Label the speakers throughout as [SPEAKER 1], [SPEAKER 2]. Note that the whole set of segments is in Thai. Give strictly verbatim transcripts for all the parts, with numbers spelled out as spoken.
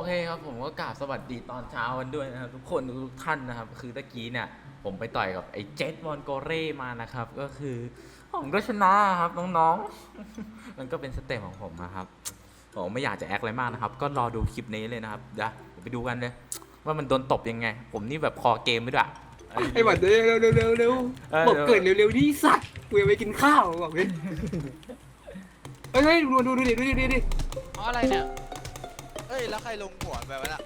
[SPEAKER 1] เคครับผมก็กราบสวัสดีตอนเช้ากันด้วยนะครับทุกคนทุกท่านนะครับคือตะกี้เนี่ยผมไปต่อยกับไอ้เจ็ตวอนโกเร่มานะครับก็คือผมก็ชนะครับน้องๆ มันก็เป็นสเต็ปของผมนะครับผมไม่อยากจะแอคอะไรมากนะครับก็รอดูคลิปนี้เลยนะครับเดี๋ยวไปดูกันเลยว่ามันโดนตบยังไงผมนี่แบบคอเกมไม่ด้วย
[SPEAKER 2] ไอ้บัตรเร็วเร็วเร็วเร็วเร็วบอกเกิดเร็วเร็วที่สัตว์กูยังไปกินข้าวบอกเลยเฮ้ยเฮ้ยดูดูดูดิดูดิดูดิ
[SPEAKER 3] เพราะอะไรเนี่ยเฮ้ยแล้วใครลงหัวแบบนั้นอะ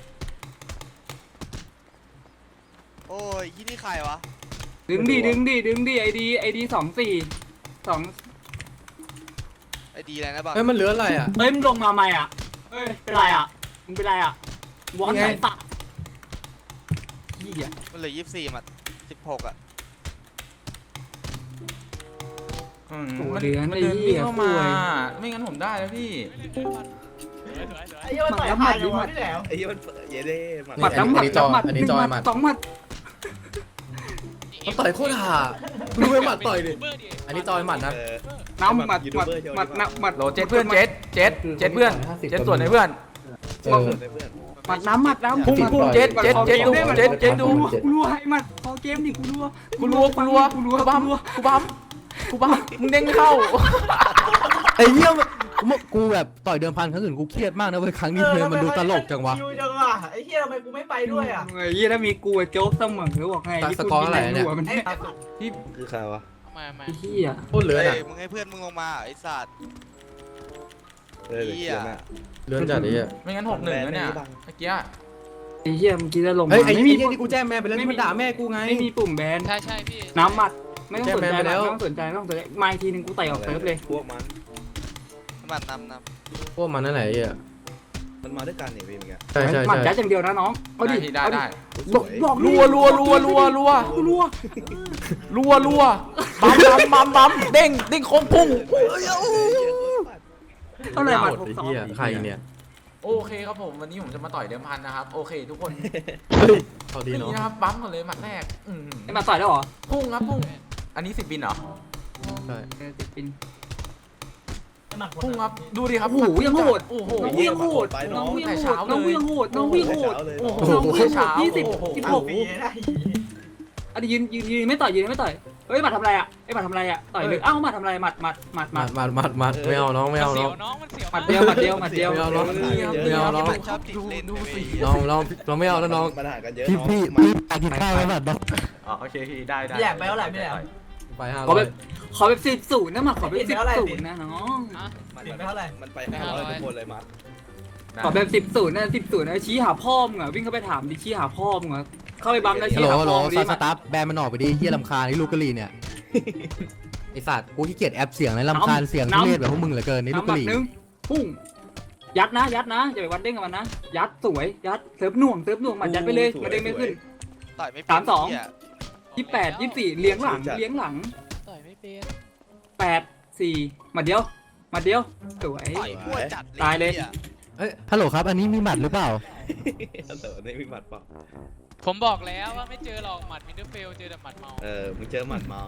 [SPEAKER 3] โอ้ยที่นี่ใครวะ
[SPEAKER 2] ดึงดิดึงดิดึงดิไอดีไอดีสองสี่สอง
[SPEAKER 3] ไอดีอะไรนะบ้าง
[SPEAKER 4] เฮ้ยมันเหลืออะไรอ่ะ
[SPEAKER 2] เฮ้ยมึงลงมาใหม่อ่ะเฮ้ยเป็นไรอ่ะมึงเป็นไรอ่ะวอนไหนสัตว์เหี้ย
[SPEAKER 3] มันเหลือยี่สิบสี่มาสิบหกอะ
[SPEAKER 1] อืมมันมันเดินวิ่งเข้ามาไม่งั้นผมได้แล้วพี่
[SPEAKER 5] ไอ้เหี้ยมันต่อยผ่านอยู่วะพี่แหลม
[SPEAKER 6] ไอ้เหี้ยมันเยเด้มัน
[SPEAKER 2] หมัดน้ำหมัดน้ำหมัดหนึ่งหมัดสองหมัด
[SPEAKER 4] มันต่อยโคตรห่าดูไอ้หมัดต่อยดิอันนี้จอยหมัดนะ
[SPEAKER 6] เออ
[SPEAKER 2] น้ำหมัดหมัดหมัดน้ำหมัด
[SPEAKER 1] โหลเจ็ดเพื่อนเจ็ดเจ็ดเจ็ดเพื่อนเจ็ดส่วนไหนเพื่อน
[SPEAKER 4] เออ
[SPEAKER 6] เพื่อน
[SPEAKER 2] หมัดน้ำหมัดน้ำ
[SPEAKER 1] พุ่งพุ่งเจ็ดเจ็ดเจ็ดดูเจ็ดเจ็ดดู
[SPEAKER 2] กูรัวให้หมัดพอเกมดิกูรัว
[SPEAKER 1] กูรัวกูรัว
[SPEAKER 2] กูรัว
[SPEAKER 1] กูบัมกูบัมกูบัมมึงเด้งเข้า
[SPEAKER 4] ไอ้เหี้ยมันกูแบบต่อยเดิมพันครั้งอื่นกูเครียดมากนะเว้ยครั้งนี้เลยมันดูตลกจังวะ
[SPEAKER 5] ดูจังวะไอ้เหี้ยทำไมกูไม่ไปด้วยอ่ะ
[SPEAKER 2] ไอ้เหี้ยถ้ามีกูโจ๊กเสมอหรือบอกไงที่กูกินในหัวมัน
[SPEAKER 5] ไอ้
[SPEAKER 1] พี่
[SPEAKER 6] คือใครวะ
[SPEAKER 3] มามา
[SPEAKER 2] ไอ้เหี้ย
[SPEAKER 4] โคตรเหลือ
[SPEAKER 3] เฮ้
[SPEAKER 4] น่ะ
[SPEAKER 3] ยมึงให้เพื่อนมึงลงมาไอ้สัตว์
[SPEAKER 6] เออเดี๋ยวเขียนอ่ะ
[SPEAKER 4] เหลือจัดไอ้เหี้ย
[SPEAKER 1] ไม่งั้นหกหนึ่งแล้วเนี่ยเมื่อกี้
[SPEAKER 2] ไอ้เหี้ยเมื่อกี้จะลง
[SPEAKER 4] เฮ้ยไอ้
[SPEAKER 2] ไม่
[SPEAKER 4] ไอ้
[SPEAKER 2] มี
[SPEAKER 4] เหี้ยที่กูแจ้งแม่ไปแล้วมันด่าแม่กูไง
[SPEAKER 2] ไม่มีปุ่มแบน
[SPEAKER 3] ใช่ใช่พี่
[SPEAKER 2] น้ำหมัดไม่ต้องสนใจ
[SPEAKER 4] แจ้งแบนไปแล้
[SPEAKER 2] ไม่
[SPEAKER 4] ว
[SPEAKER 2] ต้องสนใจไม่ต้องสนใจมาอีกทีนึงกูเตะออกเซิร์ฟเลย
[SPEAKER 6] พวกมัน
[SPEAKER 3] น้ำมันนำน
[SPEAKER 4] พวกมันนั่นแหละไอ้เหี้ย
[SPEAKER 6] มันมาด้วยกันนี่พี่เมื่อกี้
[SPEAKER 4] ใช่ใช่
[SPEAKER 2] หมัด
[SPEAKER 4] ใช่
[SPEAKER 2] ยัดอย่างเดียวนะน้องเอาดิ
[SPEAKER 1] ได้ได้
[SPEAKER 2] เอาดิบอกบอก
[SPEAKER 1] รัวรัวรัวรัวรัว
[SPEAKER 2] กูรัว
[SPEAKER 1] รัวรัวบัมบัมบัมบัมเด้งเด้งโค้งพุ่ง
[SPEAKER 2] เท่าไหร่หมัด
[SPEAKER 4] หม
[SPEAKER 2] ห
[SPEAKER 4] ด
[SPEAKER 2] ก
[SPEAKER 4] ไอ้
[SPEAKER 2] สอง
[SPEAKER 4] เหี้ยใครเนี่ย
[SPEAKER 1] โอเคครับผมวันนี้ผมจะมาต่อยเดิมพันนะครับโอเคทุกคน
[SPEAKER 4] เฮ้ยเอาดี
[SPEAKER 1] นี่
[SPEAKER 4] เนาะ
[SPEAKER 1] นะครับปั๊มก่อนเลยหมัดแรกอืม
[SPEAKER 2] ไอ้หมัดต่อยได้หรอ
[SPEAKER 1] พุ่งครับพุ่งอันนี้สิบบินเหรอ
[SPEAKER 4] ใช่
[SPEAKER 2] เออติดปิน
[SPEAKER 1] พุ่งครับดูดิครับ
[SPEAKER 2] โอ้โหยังโหด
[SPEAKER 1] โอ้โห
[SPEAKER 2] น้องวิ่งโหดน้องวิ่งโหดน้องวิ่งโหดน้องวิ่งโหด
[SPEAKER 6] เลย
[SPEAKER 1] โอ้โห
[SPEAKER 2] น้องวิ่งโหดยี่สิบสิบหก
[SPEAKER 5] ปีได้
[SPEAKER 2] อันนี้ยืนยืนยืนไม่ต่อยยืนไม่ต่อยเฮ้ยหมัดทำอะไรอ่ะไอ้หมัดทำอะไรอ่ะต่อยเลยเอ้าหมัดทำอะไรหมัดหมัดหมัดห
[SPEAKER 4] มั
[SPEAKER 2] มั
[SPEAKER 4] ด
[SPEAKER 2] ด
[SPEAKER 4] มัดมัดมัดไม่เอาน้องไม่เอาน้อง
[SPEAKER 2] หมัดเดียวหมัดเดียวหมัดเดียว
[SPEAKER 4] ไม่เอาน้อง
[SPEAKER 1] นี่ครับ
[SPEAKER 4] ไม่เอาน้อง
[SPEAKER 3] ำชอบติดเล่น
[SPEAKER 1] ดูสิ
[SPEAKER 4] น้องน้องเราไม่เอาแล้วน้อง
[SPEAKER 6] ปัญหากันเยอะ
[SPEAKER 4] พี่พี่พี่ไปกินข้าวแล้วแบบน้อง
[SPEAKER 1] อ๋อโอเคพี่ได้ได้
[SPEAKER 5] พี่แหลมไปเท่าไหร่พี่แหลม
[SPEAKER 4] ไปห้า
[SPEAKER 2] ขอ
[SPEAKER 4] ร้อ
[SPEAKER 2] แบ
[SPEAKER 4] ย
[SPEAKER 2] บขอแบบสิบศูนย์นะหมัดขอแบบสิบศูนย์นะน้อง
[SPEAKER 5] ติดไปเท่าไหร่
[SPEAKER 6] มันไปห้าร้อยทุกคนเลยมัด
[SPEAKER 2] ขอแบบสิบศูนย์นะสิบศูนย์นะชี้หาพ่อมึงอ่ะวิ่งเข้าไปถามดิชี้หาพ่อมึงอ่ะเข้าไปบัมแล้ว
[SPEAKER 4] ฮัล
[SPEAKER 2] ชี้
[SPEAKER 4] โหล
[SPEAKER 2] หา
[SPEAKER 4] ฮัลโหล
[SPEAKER 2] พ่อมึงดิ
[SPEAKER 4] สตาร์แบนมันออกไปดิเฮียลำคาญไอ้ลูกกะหรี่เนี่ยไอสัตว์กูขี้เกียจแอปเสียงเลยลำคาญเสียงทุเรศแบบพวกมึงเหลือเกินนี่ลูก
[SPEAKER 2] น้ำห
[SPEAKER 4] กะ
[SPEAKER 2] มั
[SPEAKER 4] ห
[SPEAKER 2] ด
[SPEAKER 4] รี่
[SPEAKER 2] นึงพุ่งยัดนะยัดนะอย่าไปวันเด้งกับมันนะยัดสวยยัดเซิร์ฟหน่วงเซิร์ฟหน่วงหมัดยัดไปเลยมาเด้งไม่ขึ้น
[SPEAKER 3] ต่อยไม่เป็น
[SPEAKER 2] สามสอง
[SPEAKER 3] เหี้ย
[SPEAKER 2] ยี่แปดยี่สี่เลี้ยงหลังเลี้ยงหลัง
[SPEAKER 3] ต่อยไม่เป็น
[SPEAKER 2] แปดสี่หมัดเดียวหมัดเดียวสวย
[SPEAKER 3] ต่อยพัวจัด
[SPEAKER 2] ตายเลย
[SPEAKER 3] หี้
[SPEAKER 4] เอ้ยฮัลโหลครับอันนี้มีหมัดหรือเปล่า
[SPEAKER 6] เต๋อนี่มีหมัดเปล่า
[SPEAKER 7] ผมบอกแล้วว่าไม่เจอหรอกหมัดมินเตอร์เฟลเจอแต่หมัดเมา
[SPEAKER 6] เออมึงเจอหมัดเมา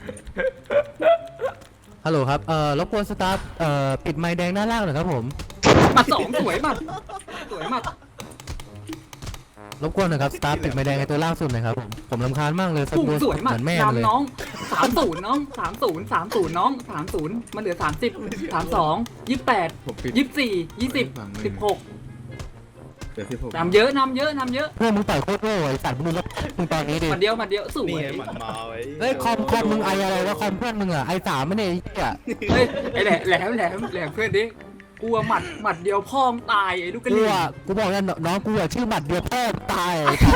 [SPEAKER 4] ฮัลโหลครับเอ่อรบกวนสตาร์เอ่อปิดไมค์แดงด้านล่างหน่อยครับผม
[SPEAKER 2] หมัดสองสวยหมัดสวยหมัด
[SPEAKER 4] รบกวนหน่อยครับสตาร์ปิดไมค์แดงในตัวล่างสุดหน่อยครับผมผมรำคาญมากเลยสัก
[SPEAKER 2] พุ่ง
[SPEAKER 4] ตัว
[SPEAKER 2] สวยหมั
[SPEAKER 4] เห
[SPEAKER 2] ด
[SPEAKER 4] มือนแม่มันเลย
[SPEAKER 2] นำน้องสามศูนย์น้องสามศูนย์สามศูนย์น้องสามศูนย์มันเหลือสามสิบสามสองยี่แปด
[SPEAKER 4] ผมปิด
[SPEAKER 2] ยี่สี่ยี่สิบสิบหก
[SPEAKER 6] เดี๋ยวที่ผม
[SPEAKER 2] นำเยอะนำเยอะนำเยอะ
[SPEAKER 4] เพื่อนมึงต่อยโคตรโง่ไอ้สัตว์มึงดูแล้วมึงตอนนี้ดิ
[SPEAKER 2] หมัดเดียวหมัดเดียวสว
[SPEAKER 6] นี่
[SPEAKER 2] ย
[SPEAKER 6] ไงหมัดเมาไอ้
[SPEAKER 4] เฮ้ยคอมคอมมึงไออะไรวะคอมเพื่อนมึงอะไอสามไม่ได้ไอ้เหี้ย
[SPEAKER 2] เฮ้ยไอ้แหลมแหลมแหลมแหลมเพื่อนดิกลัวหมัดหมัดเดียวพ่อมตายไอ้ลูกกระ
[SPEAKER 4] กู
[SPEAKER 2] ดิ่ง
[SPEAKER 4] อะกูบอกแล้วน้องกูอะชื่อหมัดเดียวพ่อตายไอ้สัตว์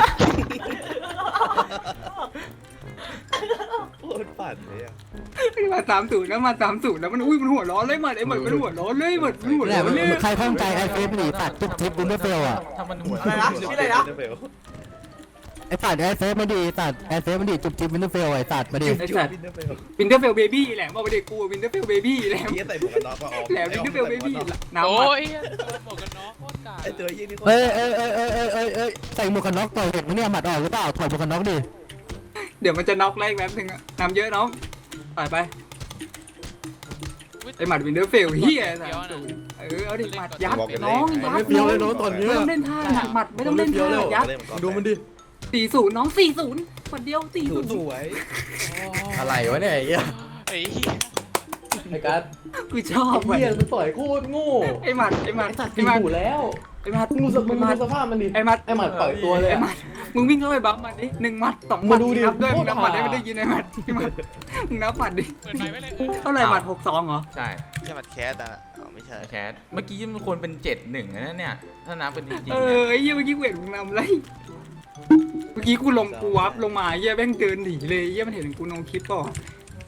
[SPEAKER 6] โคตรปั่นเลยอ่ะ
[SPEAKER 2] มาสามศูนย์แล้วมาสามศูนย์แล้วมันอุ้ยมันหัวร้อนเลยหมัดไอ้หมัดมันหัวร้อนเลยหมัดมันหัว
[SPEAKER 4] แหละ
[SPEAKER 2] ร้อน
[SPEAKER 4] มึง
[SPEAKER 2] เลย
[SPEAKER 4] มึงใครข้องใจไอเฟซหนีตัดจุ๊บจิ๊บวินเทอร์เฟลอะ
[SPEAKER 1] ถ้ามันหัว
[SPEAKER 5] อะไรนะชื่ออะไรนะ
[SPEAKER 4] ไอสัตว์ไอเฟซมันดีตัดไอเฟซมันดีจุ๊บจิ๊บวินเทอร์เฟลไอสัตว์มาดิ
[SPEAKER 2] ไอ้สัตว์วินเทอร์เฟลเบบี้แหลมบอกไปเด็กกูวินเทอร์เฟลเบบี้แหลม
[SPEAKER 6] เหี้ยใส่หมวกกันน็อกก็ออก
[SPEAKER 2] แหลมวินเทอร์เฟลเบบี้น้ำ
[SPEAKER 7] โอ้
[SPEAKER 2] หมัด
[SPEAKER 7] ยบอกกันน้องโคตรกา
[SPEAKER 6] ไอ้ตัวยี่นี่
[SPEAKER 4] เอ้ยเอ้ยเอ้ยเอ้ยเอ้ยเอ้ยเอ้ยใส่หมวกกันน็อกต่อยเห็นไหมเนี่ยหมัดออกหรือเปล่าถอดหมวกกันน็อกดิ
[SPEAKER 2] เดี๋ยวมันจะน็อกไล่แป๊บนึงอะน้ำเยอะน้องต่อยไปไอ้หมัดวินเทอร์เฟลเฮียสามศูนย์เอเออเอาดิหมัดยัดน้อง
[SPEAKER 4] มัน
[SPEAKER 2] ยั
[SPEAKER 4] ไม่
[SPEAKER 2] ด
[SPEAKER 4] เฟี้ยวเลยน้องตอนเนี้ย
[SPEAKER 2] ไม่ต้องเล่นท่าหมัดไม่ต้องเล่นท่ายัด
[SPEAKER 4] ดูมันดิ
[SPEAKER 2] สี่ศูนย์น้องสี่ศูนย์หมัดเดียวสี่ศูนย์
[SPEAKER 6] สวย
[SPEAKER 4] อะไรวะเนี่ยไอ้เหี้ย
[SPEAKER 7] ไอ้เหี้ย
[SPEAKER 4] ไอ้การ์ด
[SPEAKER 2] กูชอบ
[SPEAKER 4] ไอ้
[SPEAKER 2] มัน
[SPEAKER 4] เหี้ยมันต่อยโคตรโง่
[SPEAKER 2] ไอ้หมัดไอ้หมัด
[SPEAKER 4] ไอ้สัตว์
[SPEAKER 2] ไอ้
[SPEAKER 4] ตี
[SPEAKER 2] หมัด
[SPEAKER 4] หูแล้ว
[SPEAKER 2] ไอ้หมัด
[SPEAKER 4] มึงดูสมึงดูสภาพมันดิ
[SPEAKER 2] ไอ้หมัด
[SPEAKER 4] ไอ้หมัดปล่อยตัวเลย
[SPEAKER 2] ไอ้
[SPEAKER 4] อะ
[SPEAKER 2] หมัดมึงวิ่งเข้าไปบัฟมันดิหนึ่งหมัดสองหมั
[SPEAKER 4] มา
[SPEAKER 2] ด
[SPEAKER 4] ดูดิ
[SPEAKER 2] นับด้วย
[SPEAKER 4] โค
[SPEAKER 2] มึ
[SPEAKER 4] ตรง
[SPEAKER 2] นับหมัดได้
[SPEAKER 4] หา
[SPEAKER 2] ไม่ได้ยินไอ้หมัดไอ้หมัดมึงนับหมัดดิ
[SPEAKER 7] เปิดไฟไว้เลยเออ
[SPEAKER 2] เท่าไหร่หมัดหกสองเหรอ
[SPEAKER 1] ใช่
[SPEAKER 3] ใช่หมัดแคสอ่ะอ๋อไม่ใช่
[SPEAKER 1] แคทเมื่อกี้มันควรเป็นเจ็ดหนึ่งนะเนี่ยถ้านับเป็นจริง
[SPEAKER 2] เอ
[SPEAKER 1] ๆ
[SPEAKER 2] อ
[SPEAKER 1] เนี่ย
[SPEAKER 2] ไอ้เหี้ยเมื่อกี้กูเห็นมึงนำไรเมื่อกี้กูลงกูวับลงมาไอ้เหี้ยแม่งเดินหนีเลยไอ้เหี้ยมันเห็นกูนองคิดก่อน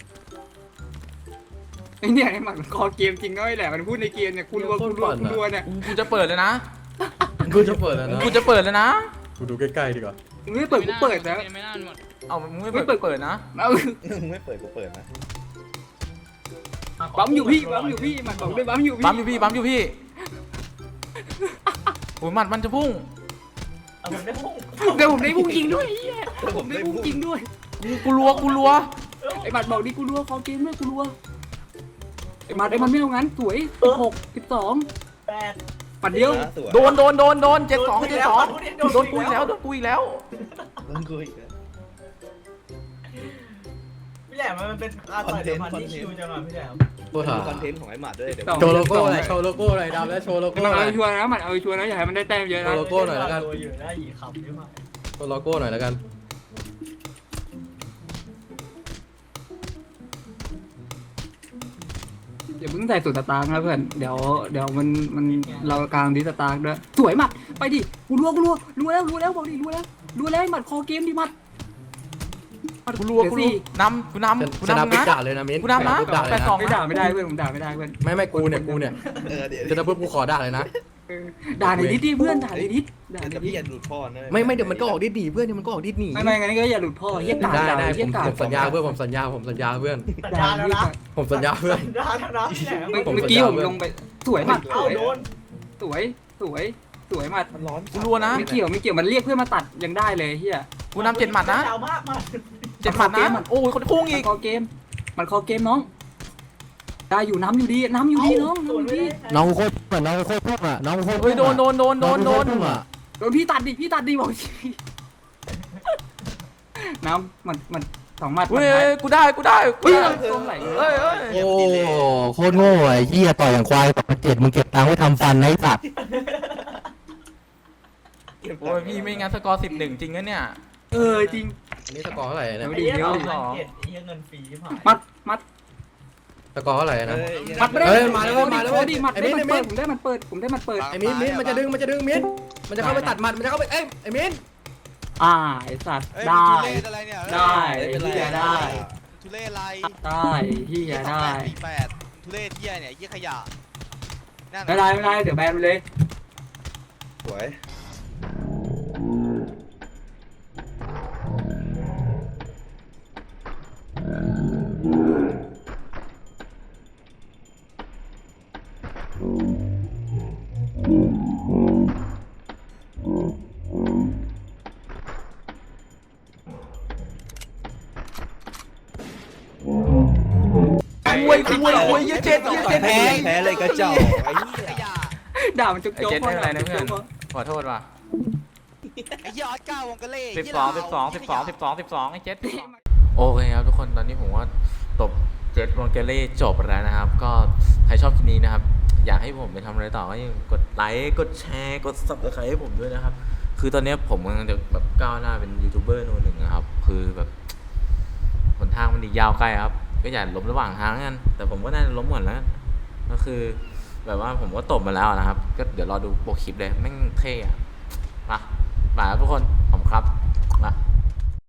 [SPEAKER 2] ไอ้เนี่ยไอ้หมัดมันคอเกมจริงก็ไอ้แหละมันพูดในเกมเนี่ยกูรัวกูรัวกูรัวเนี่ย
[SPEAKER 1] กูจะเปิดเลยนะ
[SPEAKER 4] กูจะเปิดแล้วนะ
[SPEAKER 1] กูจะเปิดเลยนะ
[SPEAKER 4] กูดูใกล้ๆดีกว่า
[SPEAKER 2] มึงไม่เปิดกูเปิดแล้ว
[SPEAKER 7] ไม่น่าหมด
[SPEAKER 1] เอามึงไม่เปิดเปิดนะ
[SPEAKER 2] เอา
[SPEAKER 6] มึงไม่เปิดกูเปิดนะ
[SPEAKER 2] ปั๊มอยู่พี่ปั๊มอยู่พี่หมัดบอกด้วยปั๊มอยู่พี่
[SPEAKER 1] ปั๊มอยู่พี่ปั๊มอยู่พี่โอ้ยหมัดมันจะพุ่ง
[SPEAKER 2] เดี๋ยวผมได้พุ่งจริงด้วยไอ้เหี้ยผมได้พุ่งจริงด้วย
[SPEAKER 1] กูกูรัวกูรัว
[SPEAKER 2] ไอ้หมัดบอกดิกูรัวคอเกมด้วยกูรัวไอ้หมัดไอ้มันไม่เอางั้นสวยหกสิบสองแปดหมัดเดียว
[SPEAKER 6] สวย
[SPEAKER 1] โดนโดนโดนโดนเจ็ดสองเจ็ดสองโดนกูอีกแล้วโดนกูอีกแล้ว
[SPEAKER 6] มึงกูอีกแล้ว
[SPEAKER 5] พี่แหลมมันเป็นการต่อยเดี๋ยวมันที่ชิวจังอ่ะพี่แหลม
[SPEAKER 4] ตัวหา
[SPEAKER 6] ดูคอนเทนต์ของไอ้หมัดด้วยเดี๋ยว
[SPEAKER 4] โชว์โลโก้หน่อยโชว์โลโก้หน่อยดำแล้วโชว์โลโก้
[SPEAKER 2] มัน
[SPEAKER 4] หน่
[SPEAKER 2] เอา
[SPEAKER 4] อย
[SPEAKER 2] ชัวร์นะหมัดเอาชัวร์นะอย่าให้มันได้แต้มเยอะนะ
[SPEAKER 4] โลโก้หน่อยแล้วกัน
[SPEAKER 5] อยู่ได้หยีขำใช่ไหม
[SPEAKER 4] โชว์โลโก้หน่อยแล้วกัน
[SPEAKER 2] อย่าเพิ่งใส่สูตรสตาร์กนะเพื่อนเดี๋ยวเดี๋ยวมันมันเรากลางดิสตาร์กด้วยสวยหมัดไปดิกูรัวกูรัวรัวแล้วรัวแล้วบอกดิรัวแล้วรัวแล้วหมัดคอเกมดิหมัด
[SPEAKER 1] กูรัวกูรัวนำกูนำกู
[SPEAKER 4] ชนะ
[SPEAKER 1] นำ
[SPEAKER 4] ปุ๊บ
[SPEAKER 1] นะ
[SPEAKER 4] ด่าเลยนะมิ้น
[SPEAKER 1] กูนำนะ
[SPEAKER 4] ปุ๊บด่าเลย
[SPEAKER 1] แปด
[SPEAKER 4] นะ
[SPEAKER 1] สอง
[SPEAKER 2] ไม่ด่าไม่ได้เพื่อนผมด่าไม่ได้เพื่อน
[SPEAKER 4] ไม่ไม่กูเนี่ยกูเนี่ย
[SPEAKER 6] เออเดี๋ยว
[SPEAKER 4] ชนะปุ๊บกูขอด่าเลยนะ
[SPEAKER 2] เออด่าในดิสดิเพื่อนด่าในดิสด่าใน
[SPEAKER 6] เดี๋ยว
[SPEAKER 2] ดิ
[SPEAKER 6] พี่
[SPEAKER 2] ส
[SPEAKER 6] อย่าหลุดพ่อนะ
[SPEAKER 4] ไม่ไม่เดี๋ยวมันก็ออกดิสหนีเพื่อนเดี๋ยวมันก็ออกดิสหนี
[SPEAKER 2] ไม่ไม่งั้นก็อย่าหลุดพ่อเฮียกาด
[SPEAKER 4] ได้
[SPEAKER 2] ด่า
[SPEAKER 4] ได้ผ
[SPEAKER 2] เฮีย
[SPEAKER 4] ม
[SPEAKER 2] กาด
[SPEAKER 4] ผมสัญญาเพื่อนผมสัญญาผมสัญญาเพื่อน
[SPEAKER 5] สัญญาแล้วนะ
[SPEAKER 4] ผมสัญญาเพื่อน
[SPEAKER 5] สัญญาแล้วนะพี่แหลม
[SPEAKER 2] เมื่อ
[SPEAKER 4] ผม
[SPEAKER 2] เมื่อกี้
[SPEAKER 4] สัญญา
[SPEAKER 2] ผมลงไปสวยหมัดส
[SPEAKER 5] เอ้า
[SPEAKER 2] วย
[SPEAKER 5] โดน
[SPEAKER 2] สวยสวยสวยหมัด
[SPEAKER 6] มันร้อน
[SPEAKER 1] กูรัวนะ
[SPEAKER 2] ไม่เกี่ยวไม่เกี่ยวมันเรียกเพื่อนมาตัดยังได้เลยเฮีย
[SPEAKER 1] กูนำเจ็ดหมัดนะ
[SPEAKER 5] ยาวมากมาก
[SPEAKER 1] เจ็ดหมัดนะโอ้ยคนพุ่ง
[SPEAKER 2] มั
[SPEAKER 1] อี
[SPEAKER 2] น
[SPEAKER 1] ก
[SPEAKER 2] คอเกมมันคอเกมน้องได้อยู่น้ำอยู่ดีน้ำอยู่ดีน้อง
[SPEAKER 5] ส่วน
[SPEAKER 2] น้ำอยู่
[SPEAKER 5] ไม่
[SPEAKER 2] ดี
[SPEAKER 5] ได้
[SPEAKER 4] น้องโคตรเหมือนน้องโคตรพุ่งอ่ะน้องโคตร
[SPEAKER 1] เฮ้ยโดนโดนโดนโดนโดน
[SPEAKER 4] อ่ะ
[SPEAKER 2] โดนพี่ตัดดิพี่ตัดดิบอกทีน้ำมันมันสองหมัด
[SPEAKER 1] เฮ้ยกูได้กูได้กู
[SPEAKER 2] เฮ้ย
[SPEAKER 1] ได้
[SPEAKER 2] ตรงไหน
[SPEAKER 1] เฮ้ยเฮ้ย
[SPEAKER 4] โอ้โคตรโง่ไอ้เหี้ยต่อยอย่างควายต่อเจ็ดมึงเก็บตังค์ไว้ทำฟันไอ้สัตว์
[SPEAKER 1] โอ้ยพี่ไม่งั้นสกอร์สิบหนึ่งจริงนะเนี่ย
[SPEAKER 2] เออจริง
[SPEAKER 4] อันนี้สกอร์เท่าไหร่เนี่ย
[SPEAKER 2] ไม่
[SPEAKER 5] ไอ้
[SPEAKER 2] ดี
[SPEAKER 5] เหี้ย
[SPEAKER 2] เดี๋ยว
[SPEAKER 5] เราเก็บไอ้เหี้ยเงินฟรีผ่าน
[SPEAKER 2] มัดมัด
[SPEAKER 4] สกอร์เท่าไหร่นะ
[SPEAKER 2] มัดไม่ได้
[SPEAKER 4] เฮ้ยมาแล้วมาแล้ว
[SPEAKER 2] โอ้ดิมัด
[SPEAKER 4] ไอ้
[SPEAKER 2] ได้
[SPEAKER 4] มิ้น
[SPEAKER 2] มันเปิดผมได้มันเปิดผมได้มันเปิด
[SPEAKER 4] ไอ้มิ้นมิ้นมันจะดึงมันจะดึงมิ้นมันจะเข้าไปตัดหมัดมันจะเข้าไปเอ้ยไอ้มิ้น
[SPEAKER 2] อ่าไอสัตว์
[SPEAKER 3] เอ้ย
[SPEAKER 2] ได้
[SPEAKER 3] ทุเรศอะไรเนี่ย
[SPEAKER 2] ได้
[SPEAKER 6] ไม่เป็นไร
[SPEAKER 2] เฮียได้
[SPEAKER 3] ทุเรศอะไร
[SPEAKER 2] ได้เฮียได้
[SPEAKER 3] ปีแปดทุเรศเฮียเนี่ยเฮียขยะนั่น
[SPEAKER 2] ไม่ได้ไม่ได้เดี๋ยวแบนไปเลย
[SPEAKER 6] สวย
[SPEAKER 1] คุยคุยคุยเยอะเจ็ดเยอะเจ็ด
[SPEAKER 6] แพ้แพ้เลยกระจอกไอ้เหี้ย
[SPEAKER 3] ขยะ
[SPEAKER 2] ด่ามันจุก
[SPEAKER 1] ไอ้
[SPEAKER 2] โจ๊ก
[SPEAKER 1] เจ็ดไม่เป็นไรนะเพื่อนขอโทษว่ะ
[SPEAKER 3] ไอ้เฮียออสการ์วงกะเล่
[SPEAKER 1] สิบสองสิบสองสิบสองสิบสองสิบสองไอ้เจ็ดโอเคครับทุกคนตอนนี้ผมว่าตบเจ็ดวงเกเล่จบแล้วนะครับ ก็ใครชอบคลิปนี้นะครับ อยากให้ผมไปทำอะไรต่อก็ยังกดไลค์กดแชร์กดซับสไครต์ให้ผมด้วยนะครับ คือตอนนี้ผมกำลังจะแบบก้าวหน้าเป็นยูทูบเบอร์โนหนึ่งนะครับ คือแบบหนทางมันอีกยาวไกลครับ ก็อย่าล้มระหว่างทางกันแต่ผมก็น่าจะล้มหมดแล้วก็คือแบบว่าผมก็ตบมาแล้วนะครับ ก็เดี๋ยวรอดูโปรคลิปเลยแม่งเท่อะมามาครับทุกคนผมครับมา